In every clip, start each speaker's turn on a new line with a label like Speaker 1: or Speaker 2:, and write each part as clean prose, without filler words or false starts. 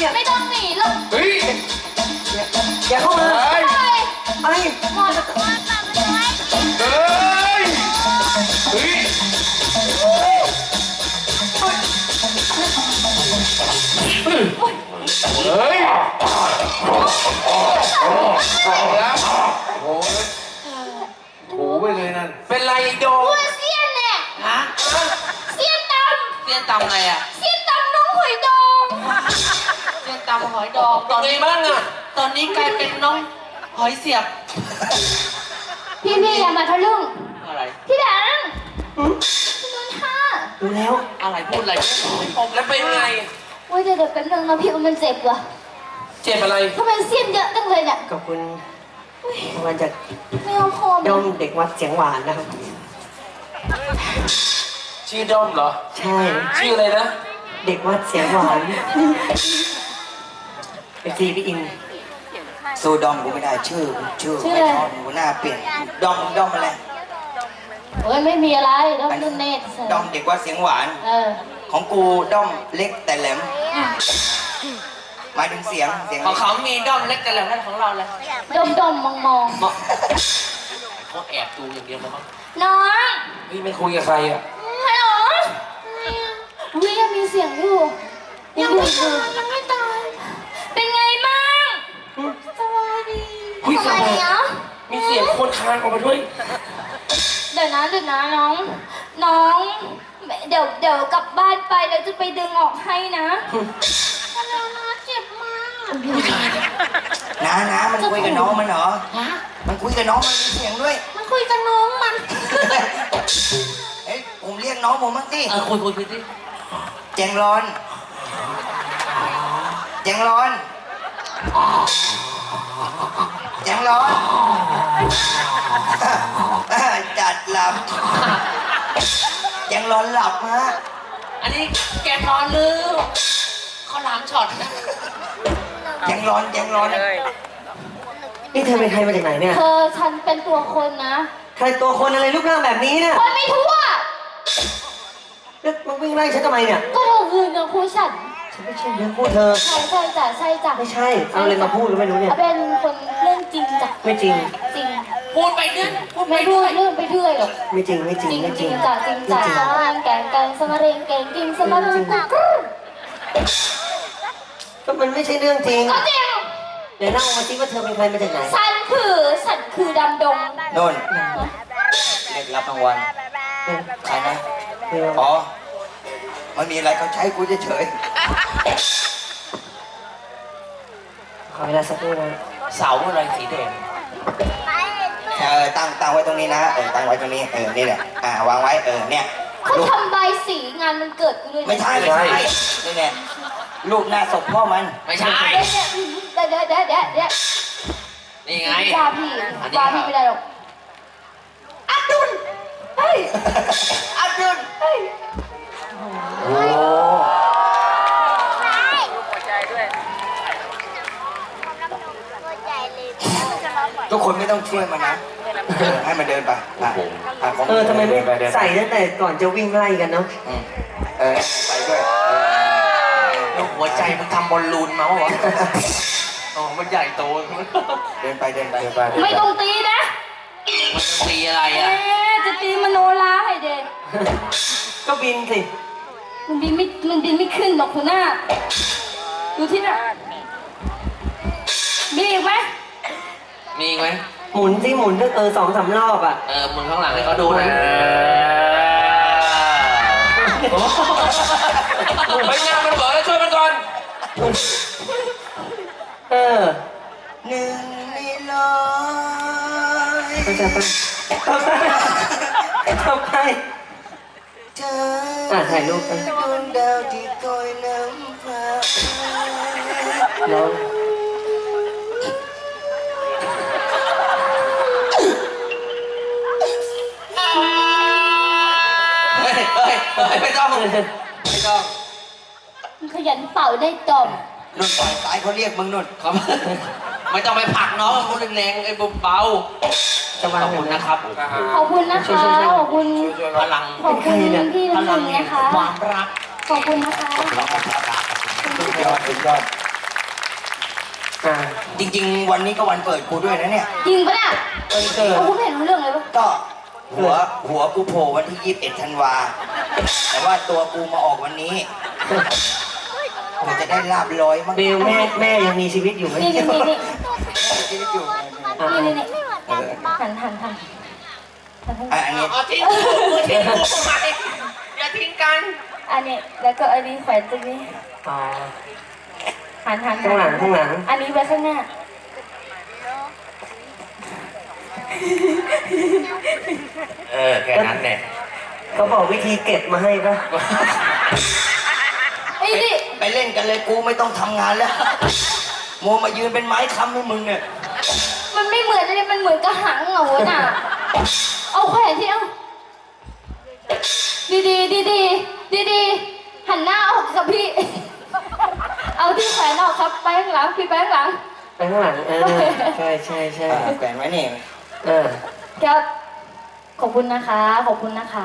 Speaker 1: เนี่ย
Speaker 2: ไม่ต้องหนีหรอก
Speaker 3: เฮ้ย
Speaker 1: อย่าเข้ามา
Speaker 3: เฮ้ย
Speaker 1: ไอ้
Speaker 2: หมด
Speaker 3: เฮ้ยเฮ้ยเฮ้ยแล้วโอ้ยถูไปเลยนั่นเป็นไรโด
Speaker 2: หัวเสี้ยนเนี่ย
Speaker 4: ฮะ
Speaker 2: เสี้ยนต
Speaker 4: เสี้ยนตำอะไรอ่ะ
Speaker 2: ำเสี้ยนตำน้องหอยดอง
Speaker 4: เสี้ยนตำหอยดองตอนนี้บ้างอ่ะตอนนี้กลายเป็นน้องหอยเสียบ
Speaker 2: พี่อย่ามาทะลึ่ง
Speaker 4: อะไร
Speaker 2: พี่ดังพี่นุ่นค่ะ
Speaker 1: ดูแล้ว
Speaker 4: อะไรพูดอะไรผมแล้วเป็นไง
Speaker 2: โอ้ยเดี๋ยวแป๊บนึงนะพี่มันเจ็บว่ะ
Speaker 4: เจ็บอะไร
Speaker 2: ทำไมเสี้ยนเยอะจังเลยเนี่ย
Speaker 1: ขอบคุณรางวัลจาก
Speaker 2: ไม่เอาพอ
Speaker 1: ดอมเด็กวัดเสียงหวานนะครับ
Speaker 3: ชื่อด้อมเหรอ
Speaker 1: ใช่
Speaker 3: ชื่ออะไรนะ
Speaker 1: เด็กวัดเสียงหวานเป็นซีพี่อิน
Speaker 5: สู้ดอมกูไม่ได้ชื่อไม่ชอบกูหน้าเปลี่ยนดอมอะไร
Speaker 2: เฮ้ยไม่มีอะไรแล้วนุ่นเนต
Speaker 5: ดอมเด็กว่าเสียงหวาน ของกูด้อมเล็กแต่แหลมหมายถึงเสียง
Speaker 4: ของเขามีด้อมเล็กแต่แหลมของเราเลย
Speaker 2: ดมมอง
Speaker 4: เขาแอบดูอย่างเดียวแล้วมั้ง
Speaker 2: น้อง
Speaker 3: นี่ไม่คุยกับใครอ่ะ
Speaker 2: ฮัลโหลวิยังมีเสียงอยู่ยังไม่ตายเป็นไงบ้างสบายดี
Speaker 3: คุยกับ
Speaker 2: ทำไมเนาะ
Speaker 3: มีเสียงคนคลางออกมาด้วย
Speaker 2: เดี๋ยวนะน้องเดี๋ยวกลับบ้านไปแล้วจะไปดึงออกให้นะแล้วนะเจ็บมาก
Speaker 5: นะมันคุยกับน้องมันเหรอมันคุยกับน้องมันมีเสียงด้วย
Speaker 2: มันคุยกับน้องมัน
Speaker 5: เอ้ยผมเรียกน้องผมบ้างสิ
Speaker 4: คุยสิ
Speaker 5: แจงร้อนแจงร้อนแจงร้อนจัดหลับแจงร้อนหลับฮะ
Speaker 4: อันนี้แกนอนลืมเขาล้างช็อตนะ
Speaker 5: แจงร้อน
Speaker 1: นี่เธอเป็นใครมาจากไหนเนี่ย
Speaker 2: ฉันเป็นตัวคนนะ
Speaker 1: ใครตัวคนอะไรรูปร่างแบบนี้เนี่ย
Speaker 2: คนไม่ทั่ว
Speaker 1: แล้วมึงวิ่งไล่ฉันทำไมเนี่ย
Speaker 2: ก็เธอคือเนื้อคู่ฉัน
Speaker 1: ฉันไม่ใช่เรื่องพูดเธอ
Speaker 2: ใช่จ้ะ
Speaker 1: ไม่ใช่ เอาอะไรมาพูดก็ไม่รู้เนี่ย
Speaker 2: เป็นคนเรื่องจริงจ้ะ
Speaker 1: ไม่จริง
Speaker 2: จริง
Speaker 4: พูดไปเรื่อยพูดไป
Speaker 2: ไม่พู
Speaker 4: เรื่
Speaker 2: ด
Speaker 4: อย
Speaker 2: เรื่องไปเรื่อยหรอก
Speaker 1: ไม่จริง ไม่จริง
Speaker 2: จริง
Speaker 1: ไม่
Speaker 2: จ
Speaker 1: จ
Speaker 2: ริ
Speaker 1: ริ
Speaker 2: ง
Speaker 1: ง
Speaker 2: จ้ะจริงจ้ะสมานแกงกันสมาเรงแกงกินสมาเรงกุ๊ก
Speaker 1: ก็มันไม่ใช่เรื่องจริง
Speaker 2: ก็จริง
Speaker 1: เดี๋ยวเล่ามาสิว่าเธอเป็นใครมาจากไหน
Speaker 2: ฉันคือดำดง
Speaker 5: โน่นเด็กรับรางวัลใครนะอ๋อมันมีอะไรเขาใช้กูเฉย
Speaker 1: ขอเวลาสักครู่นะ
Speaker 4: เสาอะไรสีแดง
Speaker 5: ตั้งไว้ตรงนี้นะตั้งไว้ตรงนี้นี่แหละวางไว้เนี่ย
Speaker 2: เขาทำใบสีงานมันเกิดกูด้วย
Speaker 5: ไม่ใช่นี่แน่รูปหน้าศพพ่อมัน
Speaker 4: ไม่ใช่
Speaker 2: เดี๋ยว
Speaker 4: นี่ไง
Speaker 2: ว่าพี่ไม่ได้หรอกอับดุลเฮ้ย
Speaker 5: อับดุล
Speaker 2: เฮ้ย
Speaker 5: โอ้ ทุกคนไม่ต้องช่วยมันนะให้มันเดินไปของ
Speaker 1: ทำไมไม่ใส่ตั้งแต่ก่อนจะวิ่งไล่กันเนาะ
Speaker 5: ใส่ด้วย
Speaker 4: แล้วหัวใจมันทำบอลลูนเมาส์วะอ๋อมันใหญ่โต
Speaker 5: เดินไป
Speaker 2: ไม่ต้องตีนะ
Speaker 4: มันจะตีอะไรอ่ะ
Speaker 2: จะตีมโนราให้เด็ก
Speaker 1: ก็บินสิ
Speaker 2: มันบินไม่ขึ้นหรอกหัวหน้าดูที่น่ะมีอีกไหม
Speaker 4: มีอีกไหม
Speaker 1: หมุนสิหมุนก็2-3 รอบอ่ะ
Speaker 4: มึงข้างหลังให้เขาดูนะ
Speaker 3: ไปงานมันเบิดแล้วช่วยมันก่อน
Speaker 5: หนึ่งในร้อย
Speaker 1: ไปจับไปเข้าไป
Speaker 5: เธอ
Speaker 1: ถ่ายรูปไป
Speaker 5: ดวงดาวที่คอยน้ำฟ้า
Speaker 1: น้อง
Speaker 4: ไม่ต้องมึง
Speaker 2: ขยันเป่าได้จอม
Speaker 5: นุ่นฝ่ายซ้ายเขาเรียกมึงนุ่น
Speaker 4: ครับไม่ต้องไปผลักน้องมันแรงๆไอ้เบา
Speaker 1: จะ
Speaker 4: ๆ
Speaker 1: วา
Speaker 4: ข
Speaker 1: ง
Speaker 4: อบ
Speaker 1: แบ
Speaker 4: คุ
Speaker 1: บ
Speaker 4: ณ
Speaker 1: ไหน
Speaker 4: นะครับ
Speaker 2: ขอบคุณนะคะขอบคุณ
Speaker 4: พลัง
Speaker 2: ขอบคุณพี่
Speaker 4: พ
Speaker 2: น้ำห
Speaker 4: ลั
Speaker 2: นึ่
Speaker 4: ง
Speaker 2: งนะคะ
Speaker 4: ความรัก
Speaker 2: ขอบคุณนะคะ
Speaker 5: สุดยอด
Speaker 1: อ่า
Speaker 5: จริงๆ วันนี้ก็วันเกิดกูด้วยนะเนี่ย
Speaker 2: จริงปะเนี่ย
Speaker 1: วันเกิด
Speaker 2: เอาคุณไม่เห็นรู้เรื่องเลยปะ
Speaker 5: ก็หัวกูโผล่วันที่21 ธันวา แต่ว่าตัวกูมาออกวันนี้กูจะได้ลาบลอยมั้ง
Speaker 1: เบลแม่ยังมีชีวิตอยู่ไหม
Speaker 2: นี่นี่นี่นี่
Speaker 5: ชีวิตอยู่
Speaker 2: นี่นี่
Speaker 5: เออ
Speaker 2: หัน
Speaker 5: อันนี้
Speaker 4: เอาทิ้งกูทิ้งกูทำไมอย่าทิ้งกัน
Speaker 2: อันนี้แล้วก็อันนี้แขวนตรงนี้
Speaker 1: อ๋อ
Speaker 2: หัน
Speaker 1: ข้างหลังข้างหลัง
Speaker 2: อันนี้ไว้ข้างหน้า
Speaker 3: แค่นั้นแหละ
Speaker 1: เขาบอกวิธีเก็บมาให้ปะ
Speaker 2: ไอ้นี่
Speaker 5: ไปเล่นกันเลยกูไม่ต้องทำงานแล้วโมวมายืนเป็นไม้ค้ำให้มึงเนี่ย
Speaker 2: มันไม่เหมือนอะไรมันเหมือนกระหังเหงาน่ะเอาแขวนที่เอาดีหันหน้าออกกับพี่ เอาที่แขวนออกครับไปข้างหลังพี่ไปข้างหลัง
Speaker 1: ไปข้างหลังใช่ใช่ใช่
Speaker 5: แขวนไว้นี่
Speaker 2: ครับขอบคุณนะคะขอบคุณนะคะ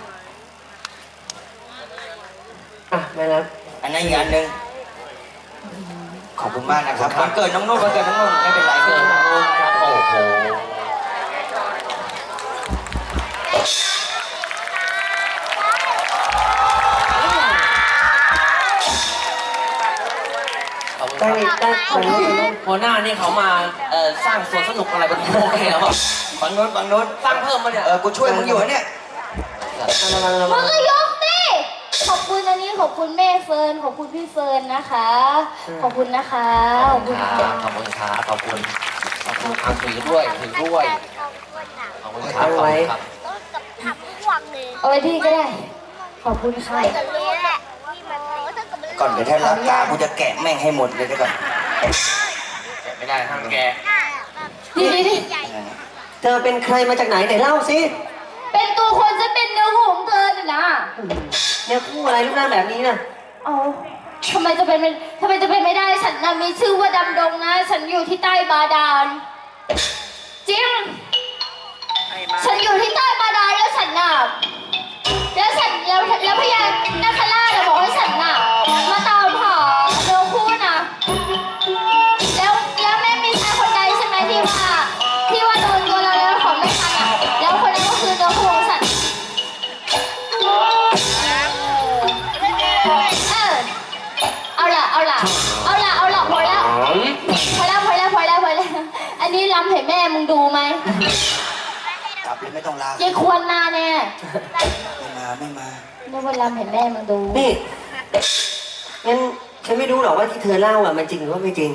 Speaker 1: อ่ะไม่รับ
Speaker 5: อันนั้นอีกอันหนึ่งขอบคุณมากนะครับวันเกิดน้องนุ่นวันเกิดน้องนุ่นไม่เป็นไรเกิดน้องนุ่นครับ
Speaker 3: โอ้โห
Speaker 1: ได้ได้คนนู้นคนนู้น
Speaker 4: หัวหน้านี่เขามาสร้างสวนสนุกอะไรบนโลกเนี่ยหรอเปล่า
Speaker 5: ฝั่งโน้นฝั่งโน้น
Speaker 4: สร้างเพิ่มมาเนี่ย
Speaker 5: กูช่วยมึงอยู่เนี่ย
Speaker 1: ระวังระ
Speaker 2: มึ
Speaker 1: วั
Speaker 2: ง
Speaker 1: ง
Speaker 2: ก็ยกดิขอบคุณอันนี้ขอบคุณแม่เฟิร์นขอบคุณพี่เฟิร์นนะคะ ขอบคุณนะคะขอบคุณค่ะ
Speaker 3: ขอบคุณครับขอบคุณถือด้วยขอบคุณครับขอบคุณครับ
Speaker 2: เอาไว้ที่ก็ได้ ขอบคุณค่ะ
Speaker 5: ก่อนเดี๋ยวถ้ารับตากูจะแกะแม่งให้หมดเลยเดี๋ยวก่อน
Speaker 3: ไม่ได้ห้ามแก
Speaker 2: ดี
Speaker 1: เธอเป็นใครมาจากไหนไหนเล่าสิ
Speaker 2: เป็นตัวคนจะเป็นเนื้อคู่ของเธอน่ะนะ
Speaker 1: เนี่ยคู่อะไรรูปร่างแบบนี้น่ะ
Speaker 2: เอาทำไมจะเป็นไม่ได้ฉันน่ะมีชื่อว่าดำดงนะ ฉันอยู่ที่ใต้บาดาลจริงฉันอยู่ที่ใต้บาดาลแล้วฉันน่ะแล้วพญานาคราชน่ะบอกให้ฉันน่ะมาตามหาเนื้อคู่น่ะแล้วแม่มีชายคนใดใช่ไหมที่ว่าโดนตัวเราแล้วของไม่ทันอ่ะแล้วคนนั้นก็คือเนื้อคู่ของฉันเอาล่ะพอแล้วอันนี้รำให้แม่มึงดูไหม
Speaker 5: กลับเลยไม่ต้องลาย
Speaker 2: ายควรมาแน่
Speaker 5: ไม่มา
Speaker 2: เรียกว่ารำให้แม่มึงดู
Speaker 1: นี่งั้นฉันไม่รู้หรอกว่าที่เธอเล่าอ่ะมันจริงหรือว่าไม่จริง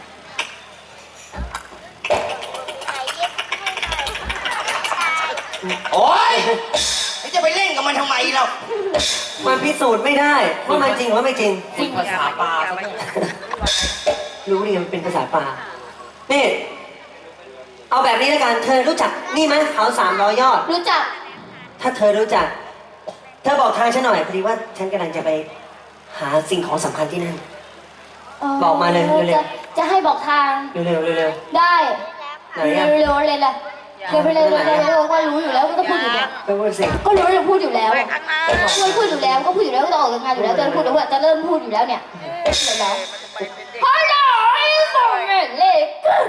Speaker 5: โอ๊ยไม่จะไปเล่นกับมันทำไมเรา
Speaker 1: มันพิสูจน์ไม่ได้ว่ามันจริงหรือว่าไม่จริง
Speaker 4: ฝึกภาษาปลาซะด้วย
Speaker 1: รู้ดิมันเป็นภาษาป่านี่ เอาแบบนี้แล้วกัน เธอรู้จักนี่ไหมเขา300 ยอด
Speaker 2: รู้จัก
Speaker 1: ถ้าเธอรู้จัก เธอบอกทางฉันหน่อยพอดีว่าฉันกำลังจะไปหาสิ่งของสำคัญที่นั่น บอกมาเลยเร็ว
Speaker 2: จะให้บอกทาง
Speaker 1: เร็วๆเร็ว
Speaker 2: ได้
Speaker 1: ๆไหนอ่ะ
Speaker 2: เร็วๆเลยล่ะเร็วไปเลยก็รู้อยู่แล้วก็ต้องพูดอยู่แล้ว
Speaker 1: ไปพูดสิ
Speaker 2: ก็รู้เราพูดอยู่แล้วช่วยพูดอยู่แล้วก็พูดอยู่แล้วก็ต้องออกงานอยู่แล้วจะพูดแล้วจะเริ่มพูดอยู่แล้วเนี่ยเดี๋ยวแล้วพอแล้วไอ้สองเล็ก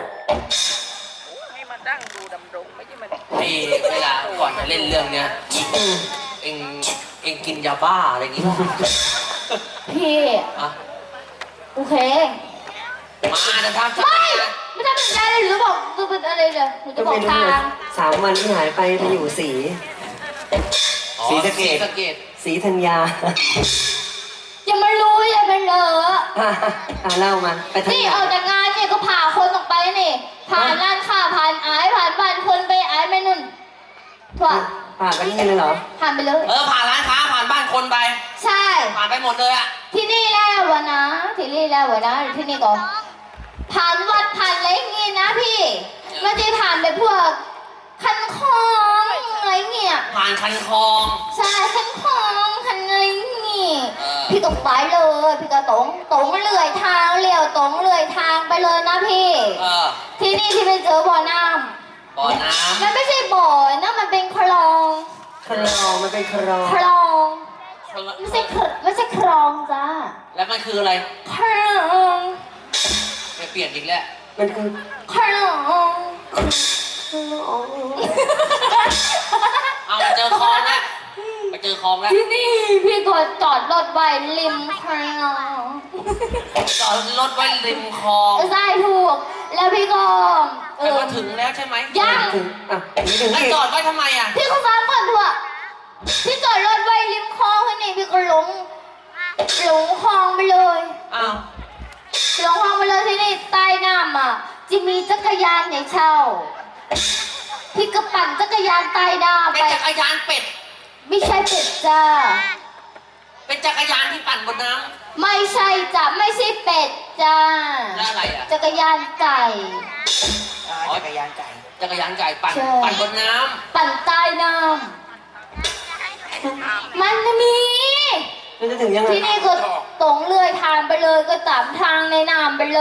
Speaker 4: นี่เวลาก่อนจะเล่นเรื่องเนี้ยเองกินยาบ้าอะไรอย่างงี้ป่ะ
Speaker 2: พี่
Speaker 4: อ่ะ
Speaker 2: โอเค
Speaker 4: มาจะทำ
Speaker 2: ไม่ทำเป็นอะไรหรือบอกจะเป็นอะไรเลยหนูจะ
Speaker 1: ก็
Speaker 2: บอ
Speaker 1: ไม่
Speaker 2: ก
Speaker 1: รู้
Speaker 2: ทา
Speaker 1: เลย
Speaker 2: ง
Speaker 1: 3 วันที่หายไปไปอยู่ศรี
Speaker 5: ศรีสะเกษ
Speaker 1: ศรีธัญญา
Speaker 2: อย่ามารู้อย่ามาเหลอ
Speaker 1: เล่ามาไปธัญ
Speaker 2: นี่
Speaker 1: ญา
Speaker 2: ออกจากงานเนี่ยก็พาคนออกไปนี่ผ่านร้านค้าผ่านอายผ่านบ้านคนไปอายแม่นุ่นถั่ว
Speaker 1: ผ่านไปนี่เลยเหรอ
Speaker 2: ผ่านไปเลย
Speaker 4: ผ่านร้านค้าผ่านบ้านคนไป
Speaker 2: ใช่
Speaker 4: ผ่านไปหมดเลยอ่ะ
Speaker 2: ที่นี่แล้ววะนะที่นี่แล้ววะนะที่นี่ก็ผ่านวัดผ่านอะไรอย่างงี้นะพี่ไม่ได้ผ่านไปพวกคันคลองอะไรเงี้ย
Speaker 4: ผ่านคันคลอง
Speaker 2: ใช่คันคลองคันอะไรงี้พี่ตกไปเลยพี่ก็ตรงเลื่อยทางเลี้ยวตรงเลื่อยทางไปเลยนะพี่ที่นี่ที่ไปเจอบ่อน้ำ
Speaker 4: บ่อน้
Speaker 2: มันไม่ใช่บ่อนะมันเป็นคลอง
Speaker 1: คลองมันเป็นคลอง
Speaker 2: คลอง
Speaker 4: ำ
Speaker 2: ไม่ใช่คลองจ้า
Speaker 4: แล้วมันคืออะไร
Speaker 2: คลอง
Speaker 4: คเปลี่ยนอีกแล้ว
Speaker 1: มันคือ
Speaker 2: ขนม
Speaker 4: เอามาเจอคลองแล้วมาเจอคลองแล้ว
Speaker 2: ที่นี่พี่ก็จอดรถไว้ริมคลอง
Speaker 4: จอดรถไว้ริมคลอง
Speaker 2: ใช่ถูก แล้วพี่ก็
Speaker 4: แต่มาถึงแล้วใช่ไหม
Speaker 2: ยัง
Speaker 1: ถึงอ่ะถึง
Speaker 4: แล้ว
Speaker 1: ที่
Speaker 4: จอดไว้ทำไมอ่ะ
Speaker 2: พี่ก็ฟังก่อนเถอะพี่จอดรถไว้ริมคลองแค่นี้พี่ก็หลงคลองไปเลย
Speaker 4: อ้าว
Speaker 2: หลงคลองไปเลยที่นี่ใต้น้ำอ่ะจะมีจักรยานให้เช่า พี่ก็ปั่นจักรยานใต้น้ำ
Speaker 4: เป็
Speaker 2: ไป
Speaker 4: นจักรยานเป็ด
Speaker 2: ไม่ใช่เป็ดจ้า
Speaker 4: เป็นจักรยานที่ปั่นบนน้
Speaker 2: ไม่ใช่จ้ะไม่ใช่เป็ดจ้า
Speaker 4: ำแล้วอะไรอ่ะ
Speaker 2: จักรยานไก่
Speaker 5: จักรยานไก่
Speaker 4: จักรยานไก่ปั่น
Speaker 2: ใช่
Speaker 4: ปั่นบนน้
Speaker 2: ปั่นใต้น้ำมันมี
Speaker 1: มันจะถึงยังไง
Speaker 2: ที่นี่ก็ตรงเลื่อยทางไปเลยก็ตามทางในน้ำไปเลย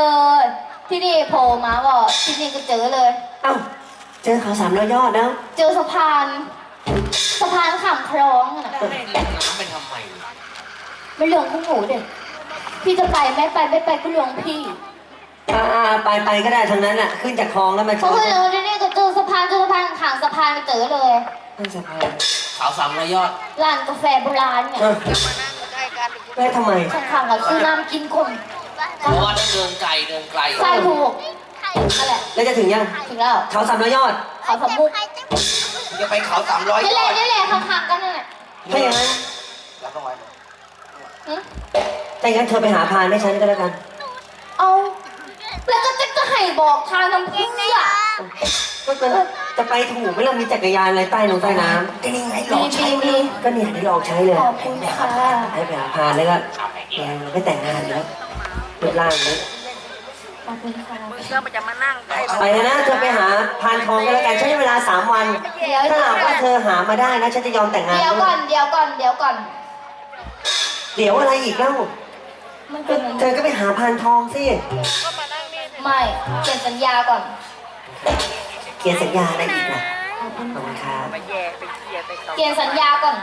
Speaker 2: ที่นี่โผล่มาบอกที่นี่ก็เจอเลย
Speaker 1: เอ้าเจอเขา300 ยอดแล้ว
Speaker 2: เจอสะพานข้ามคลองอะ
Speaker 4: ำ
Speaker 2: นะ
Speaker 4: แล้วให้ลงน้ำไปทำไม
Speaker 2: ไม่เรื่องของหนูเด็กพี่จะไปไม่ไปก็เรื่องพี่
Speaker 1: ไปก็ได้ทางนั้นอ่ะ ขึ้นจากคลองแล้วมาช
Speaker 2: เพราะ
Speaker 1: น
Speaker 2: ว่าเราที่นี่ก็เจอสะพานข้างสะพานก็เจอเลย
Speaker 1: ขึ้นสะพาน
Speaker 4: เขา300 ยอด
Speaker 2: ร้านกาแฟโบราณเนี่ย
Speaker 1: เออแม่ทำไม
Speaker 2: ข้างๆกับซื้อน้ำกินก่อน
Speaker 4: เพราะว่าต้องเดินไกลเดินไกล
Speaker 2: ใช่ถูกนั่นแหละ
Speaker 1: แล้วจะถึงยัง
Speaker 2: ถึงแล้ว
Speaker 1: เขา300 ยอด
Speaker 2: เขาสมุก
Speaker 5: จะไปเขา300
Speaker 2: นี่
Speaker 5: ย
Speaker 2: แห
Speaker 5: อ
Speaker 2: ละ
Speaker 5: ด
Speaker 2: นี่แหละข้างๆกันนั่นแหละ
Speaker 1: ถ้าอย่างนั้น
Speaker 5: รับรางวัล
Speaker 2: หึ
Speaker 1: ถ้าอย่างนั้นเธอไปหาพานให้ฉันก็แล้วกัน
Speaker 2: เอาแล้วก็จะให้บอกทางน้ำพึ่งอ่ะ
Speaker 1: ก็จะไปถูกไหม่เรามีจักรยานอะไรใต้ลงใต้น้
Speaker 5: ก็นี่ไงลองใช้
Speaker 2: มี
Speaker 1: ำก็เนี่ยได้ลองใช้เลย
Speaker 2: ขอบคุณค่ะ
Speaker 1: ให้ไปหาพานแล้วก็แกไม่แต่งงานแล้วรูปร่างนี้
Speaker 2: ขอบคุณค่ะ
Speaker 1: ไปนะเธอไปหาพานทองก็แล้วกันใช้เวลา3 วัน
Speaker 2: เดี๋ยว
Speaker 1: ถ้าหากว่าเธอหามาได้นะฉันจะยอมแต่งงาน
Speaker 2: เดี๋ยวก่อนเดี๋ยวก่อนเดี๋ยวก่อน
Speaker 1: เดี๋ยวอะไรอีกเล่า
Speaker 2: มันเป็นอย่าง
Speaker 1: เธ
Speaker 2: นี้
Speaker 1: อก็ไปหาพานทองสิ
Speaker 2: ไม่เขียนสัญญาก่อน
Speaker 1: เขียนสัญญาอะไรอีกล่ะขอบคุณครับ
Speaker 2: เขียนสัญญาก่อน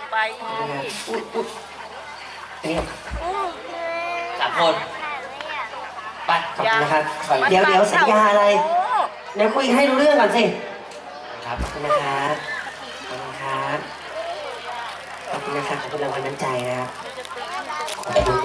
Speaker 1: อันนี้
Speaker 4: 3 คนไป
Speaker 1: ขอบคุณนะครับเดี๋ยวสัญญาอะไรเดี๋ยวคุยให้รู้เรื่องก่อนสิ
Speaker 4: ครับ
Speaker 1: ขอบคุณนะครับขอบคุณครับขอบคุณนะครับขอบคุณรางวัลน้ำใจนะครับขอบคุณ